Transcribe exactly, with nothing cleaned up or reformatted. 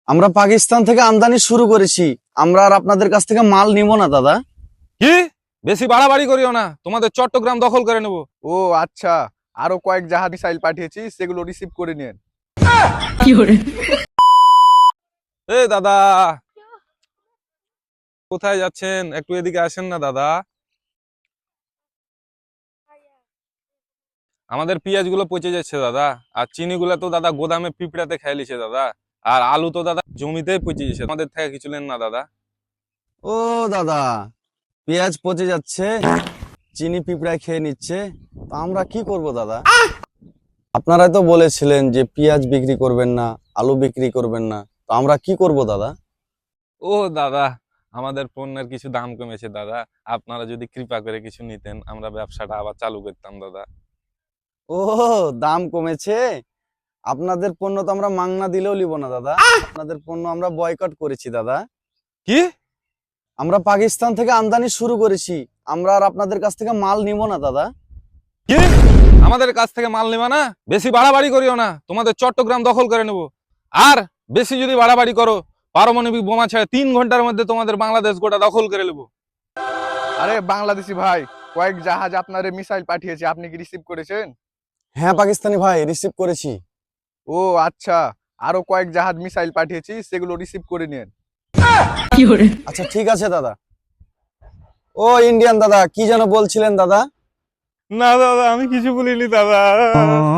আমরা পাকিস্তান থেকে আমদানি শুরু করেছি। আমরা আর আপনাদের কাছ থেকে মাল নিব না দাদা। কি? বেশি বাড়াবাড়ি করিও না, তোমাদের চট্টগ্রাম দখল করে নেব। ও আচ্ছা, আরো কয়েক জাহাজ মিসাইল পাঠিয়েছি, সেগুলো রিসিভ করে নিন। এ দাদা, কোথায় যাচ্ছেন? একটু এদিকে আসেন না দাদা। আমাদের পেঁয়াজ গুলো পচে যাচ্ছে দাদা, আর চিনি গুলো তো দাদা গোদামে পিঁপড়াতে খেয়ে লিছে দাদা, আর আলু তো দাদা জমিতেই পচে যাচ্ছে। আমাদের থেকে কিছু নেন না দাদা। ও দাদা, পেঁয়াজ পচে যাচ্ছে, চিনি পিঁপড়ায় খেয়ে নিচ্ছে, তো আমরা কি করব দাদা? আপনারাই তো বলেছিলেন যে পেঁয়াজ বিক্রি করবেন না, আলু বিক্রি করবেন না, তো আমরা কি করব দাদা? ও দাদা, আমাদের পণ্যের কিছু দাম কমেছে দাদা, আপনারা যদি কৃপা করে কিছু নিতেন, আমরা ব্যবসাটা আবার চালু করতাম দাদা। ও, দাম কমেছে? আপনাদের পণ্য তো আমরা মাংনা দিলেও নিব না দাদা। আপনাদের পণ্য আমরা বয়কট করেছি দাদা। কি? আমরা পাকিস্তান থেকে আমদানি শুরু করেছি। আমরা আর আপনাদের কাছ থেকে মাল নিব না দাদা। কি? আমাদের কাছ থেকে মাল নেবা না? বেশি বাড়াবাড়ি করিও না, তোমাদের চট্টগ্রাম দখল করে নেব। আর বেশি যদি বাড়াবাড়ি করো, পারমাণবিক বোমা ছেড়ে তিন ঘন্টার মধ্যে তোমাদের বাংলাদেশ গোটা দখল করে নেব। আরে বাংলাদেশি ভাই, কয়েক জাহাজ আপনারে মিসাইল পাঠিয়েছে, আপনি কি রিসিভ করেছেন? হ্যাঁ পাকিস্তানি ভাই, রিসিভ করেছি। ও আচ্ছা, আরো কয়েক জাহাজ মিসাইল পাঠিয়েছি, সেগুলো রিসিভ করে নিন। আচ্ছা ঠিক আছে দাদা। ও ইন্ডিয়ান দাদা, কি যেন বলছিলেন দাদা? না দাদা, আমি কিছু বলিনি দাদা।